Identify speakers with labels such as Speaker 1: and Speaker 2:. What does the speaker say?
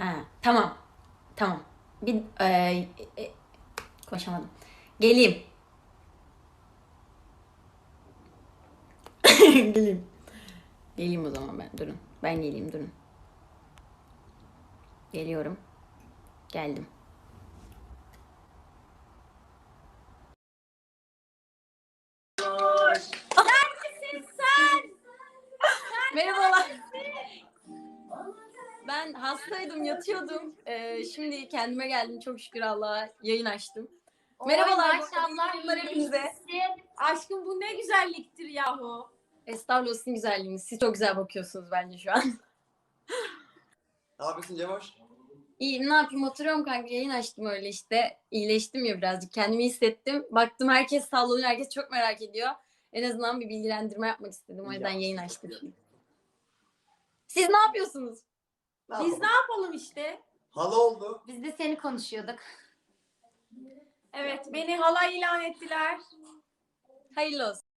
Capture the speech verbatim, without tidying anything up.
Speaker 1: Ha, tamam. Tamam. Bir e, e, konuşamadım. Geleyim. Geleyim. Geleyim o zaman ben. Durun. Ben geleyim durun. Geliyorum. Geldim.
Speaker 2: Neredesin sen?
Speaker 1: Merhabalar. Ben hastaydım, yatıyordum. Ee, şimdi kendime geldim. Çok şükür Allah'a yayın açtım. Merhabalar.
Speaker 2: Oy, maşallah
Speaker 1: Merhabalar hepinize.
Speaker 2: iyileşmişsin. Aşkım bu ne güzelliktir yahu.
Speaker 1: Estağfurullah sizin güzelliğiniz. Siz çok güzel bakıyorsunuz bence şu an.
Speaker 3: Ne yapıyorsun Cemoş?
Speaker 1: İyi, ne yapayım, oturuyorum kanka, yayın açtım öyle işte. İyileştim ya birazcık, kendimi hissettim. Baktım herkes sallanıyor, herkes çok merak ediyor. En azından bir bilgilendirme yapmak istedim, o yüzden yayın açtım. Siz ne yapıyorsunuz?
Speaker 3: Ne
Speaker 2: Biz
Speaker 3: yapalım?
Speaker 2: ne yapalım işte?
Speaker 3: Hala oldu.
Speaker 2: Biz de seni konuşuyorduk.
Speaker 4: Evet, beni hala ilan ettiler.
Speaker 1: Hayırlı olsun.